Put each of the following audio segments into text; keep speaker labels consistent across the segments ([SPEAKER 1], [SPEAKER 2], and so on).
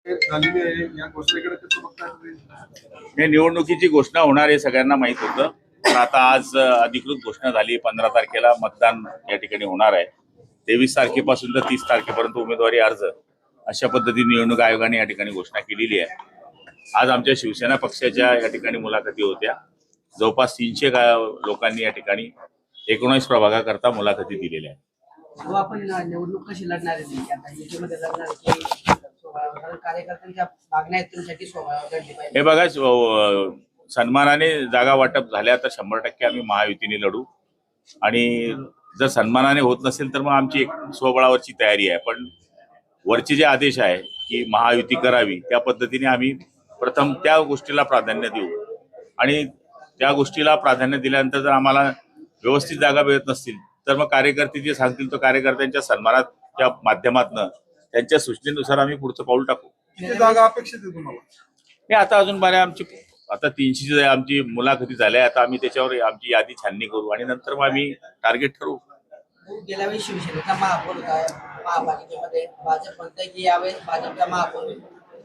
[SPEAKER 1] झालेली आहे या घोषणेकडे कसं बघताय तुम्ही?
[SPEAKER 2] हे निवडणुकीची घोषणा होणार आहे सगळ्यांना माहित होतं, पण आता आज अधिकृत घोषणा झाली. 15 तारखेला मतदान या ठिकाणी होणार आहे. 23 तारखेपासून तर 30 तारखेपर्यंत उमेदवारी अर्ज अशा पद्धतीने निवडणूक आयोगाने या ठिकाणी घोषणा केलेली आहे. आज आमच्या शिवसेना पक्षाच्या या ठिकाणी मुलाखती होत्या. जवळपास 300 लोकांनी या ठिकाणी 19 प्रभागाकरता मुलाखती दिलेल्या आहेत.
[SPEAKER 3] आपण निवडणूक कशी लढणार आहे आता युतीमध्ये लढणार की कार्यकर्त्यांच्या मागण्या आहेत तुमच्यासाठी लढली पाहिजे?
[SPEAKER 2] हे बघा, सन्मानाने जागा वाटप झाल्या तर 100% आम्ही महायुतीने लढू, आणि जर सन्मानाने होत नसेल तर मग आमची एक स्वबळावरची तयारी आहे. पण वरचे जे आदेश आहे की महायुती करावी, त्या पद्धतीने आम्ही प्रथम त्या गोष्टीला प्राधान्य देऊ, आणि त्या गोष्टीला प्राधान्य दिल्यानंतर जर आम्हाला व्यवस्थित जागा मिळत नसतील तर मग कार्यकर्ते जे सांगतील तो कार्यकर्त्यांच्या सन्मानाच्या माध्यमातून त्यांच्या सूचनेनुसार आम्ही पुढचं पाऊल टाकू.
[SPEAKER 1] किती जागा अपेक्षित आहे तुम्हाला?
[SPEAKER 2] हे आता अजून बऱ्या आमची आता 300 आमची मुलाखती झाल्या. आता आम्ही त्याच्यावर आमची यादी छाननी करू आणि नंतर मग आम्ही टार्गेट ठरवू.
[SPEAKER 3] गेल्या वेळी शिवसेनेचा महापौर होता महापालिकेमध्ये, भाजप म्हणतंय की यावेळेस भाजपचा महापौर होईल.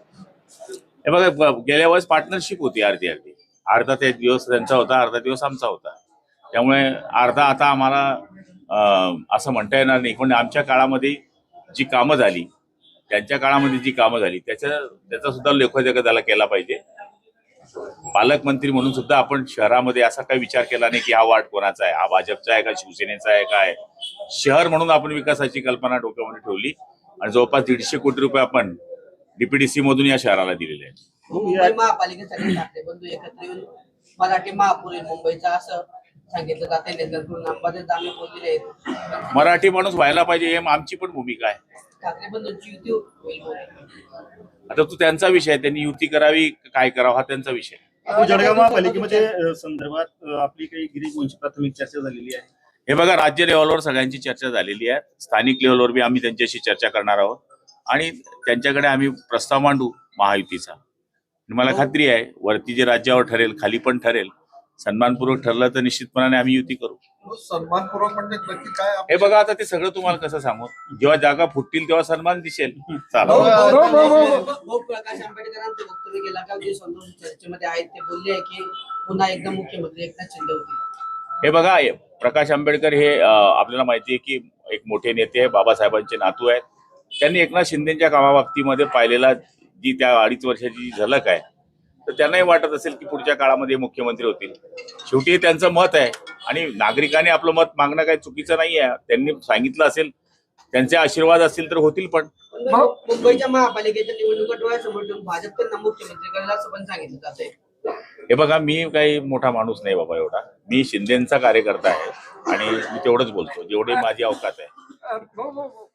[SPEAKER 2] हे बघा, गेल्या वेळेस पार्टनरशिप होती अर्धी अर्धी. अर्धा ते दिवस त्यांचा होता, अर्धा दिवस आमचा होता. त्यामुळे अर्धा आता आम्हाला असं म्हणता येणार नाही. पण आमच्या काळामध्ये जी कामं झाली, त्यांच्या काळामध्ये जी कामं झाली त्याचा सुद्धा लेखोजोखा त्याला केला पाहिजे. पालकमंत्री म्हणून सुद्धा आपण शहरामध्ये असा काही विचार केला नाही की हा वार्ड कोणाचा आहे, हा भाजपचा आहे का शिवसेनेचा आहे काय. शहर म्हणून आपण विकासाची कल्पना डोक्यामध्ये ठेवली आणि जवळपास 150 कोटी रुपये आपण डीपीडीसी मधून या शहराला दिलेले आहेत.
[SPEAKER 3] मुंबई महापालिकेसाठी ठाकरे बंधू एकत्र येऊन मराठी महापौर मुंबईचा असं सांगितलं जाते. नेतृत्व अंबादास दानवे बोललेले आहेत.
[SPEAKER 2] मराठी माणूस व्हायला पाहिजे हे आमची पण भूमिका आहे.
[SPEAKER 3] ठाकरे बंधूंची युती होईल.
[SPEAKER 2] आता तो त्यांचा विषय आहे, त्यांनी युती करावी काय करावं हा त्यांचा विषय आहे.
[SPEAKER 4] जळगाव महापालिकेमध्ये संदर्भात आपली काही गिरीश वंशी प्राथमिक चर्चा झालेली आहे.
[SPEAKER 2] हे बघा, राज्य लेव्हलवर सगळ्यांची चर्चा झालेली आहे. स्थानिक लेव्हलवर बी आम्ही त्यांच्याशी चर्चा करणार आहोत आणि त्यांच्याकडे आम्ही प्रस्ताव मांडू महायुतीचा. मला खात्री आहे वरती जे राज्यावर ठरेल खाली पण ठरेल, सन्मानपूर्वक ठरलं तर निश्चितपणाने आम्ही युती करू.
[SPEAKER 1] सन्मानपूर्वक म्हणजे नक्की काय?
[SPEAKER 2] हे बघा, आता ते सगळं तुम्हाला कसं सांगू, जेव्हा जागा फुटतील तेव्हा सन्मान दिसेल. चला.
[SPEAKER 3] प्रकाश आंबेडकरांचं वक्तव्य केला का जे संतोष चर्चेमध्ये आहेत ते बोलले की पुन्हा एकदा मुख्यमंत्री एकनाथ शिंदे होतील.
[SPEAKER 2] हे बघा, प्रकाश आंबेडकर हे आपल्याला माहिती आहे की एक मोठे नेते आहे, बाबासाहेबांचे नातू आहेत. त्यांनी एकनाथ शिंदेच्या कामाबाबतीमध्ये पाहिलेला जी त्या 2.5 वर्षाची झलक आहे, तर त्यांनाही वाटत असेल की पुढच्या काळामध्ये मुख्यमंत्री होतील. शेवटी त्यांचं मत आहे आणि नागरिकांनी आपलं मत मागणं काही चुकीचं नाही आहे. त्यांनी सांगितलं असेल, त्यांचे आशीर्वाद असतील तर होतील. पण
[SPEAKER 3] मुंबईच्या महापालिकेच्या निवडणुका डोळ्यासमोर ठेवून भाजप त्यांना मुख्यमंत्री करायला असं पण सांगितलं जातंय.
[SPEAKER 2] हे बघा, मी काही मोठा माणूस नाही बाबा एवढा. मी शिंदेचा कार्यकर्ता आहे आणि मी तेवढंच बोलतो जेवढी माझी अवकात आहे.